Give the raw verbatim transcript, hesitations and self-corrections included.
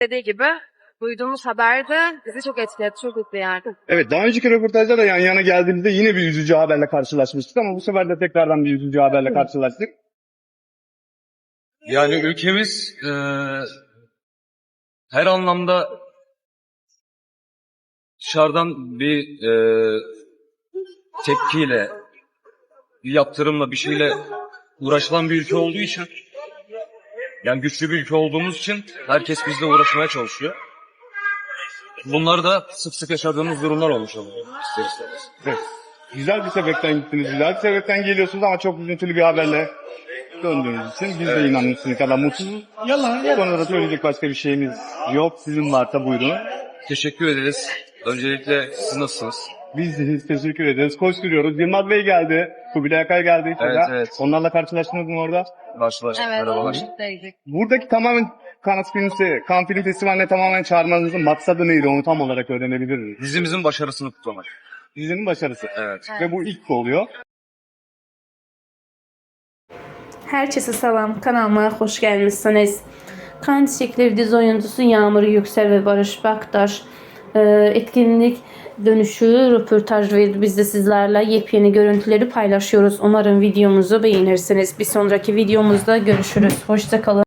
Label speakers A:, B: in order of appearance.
A: Dediği gibi duyduğumuz haber de bizi çok etkiledi, çok mutlu yani.
B: Evet, daha önceki röportajda da yan yana geldiğimizde yine bir üzücü haberle karşılaşmıştık ama bu sefer de tekrardan bir üzücü haberle karşılaştık.
C: Yani ülkemiz e, her anlamda dışarıdan bir e, tepkiyle, bir yaptırımla, bir şeyle uğraşılan bir ülke olduğu için, yani güçlü bir ülke olduğumuz için herkes bizle uğraşmaya çalışıyor. Bunlar da sık sık yaşadığımız durumlar olmuş oluyor. İster istemez.
B: Evet. Güzel bir sebepten gittiniz, güzel bir sebepten geliyorsunuz ama çok üzüntülü bir haberle döndüğünüz için biz de inanın sizin kadar mutsuzuz. Yalan, bu konuda söyleyecek başka bir şeyimiz yok. Sizin varsa buyurun.
C: Teşekkür ederiz. Öncelikle siz nasılsınız?
B: Biz de teşekkür ederiz. Koşturuyoruz. Yılmaz Bey geldi. Kubilay Akay geldi.
C: Evet,
B: Sonra.
C: evet.
B: Onlarla karşılaştınız mı orada?
C: Karşılaştık.
A: Evet,
C: Merhabalar.
A: birlikteydik.
B: Buradaki tamamen Cannes Film, Cannes Film Festivali'ne tamamen çağırmanızın maksadı neydi? Onu tam olarak öğrenebilir miyiz?
C: Dizimizin başarısını kutlamak.
B: Dizinin başarısı.
C: Evet.
B: Ve bu ilk oluyor.
D: Herkese selam, kanalıma hoş gelmişsiniz. Kan Çiçekleri dizi oyuncusu Yağmur Yüksel ve Barış Baktaş e, etkinlik dönüşü röportaj verdi. Biz de sizlerle yepyeni görüntüleri paylaşıyoruz. Umarım videomuzu beğenirsiniz. Bir sonraki videomuzda görüşürüz. Hoşça kalın.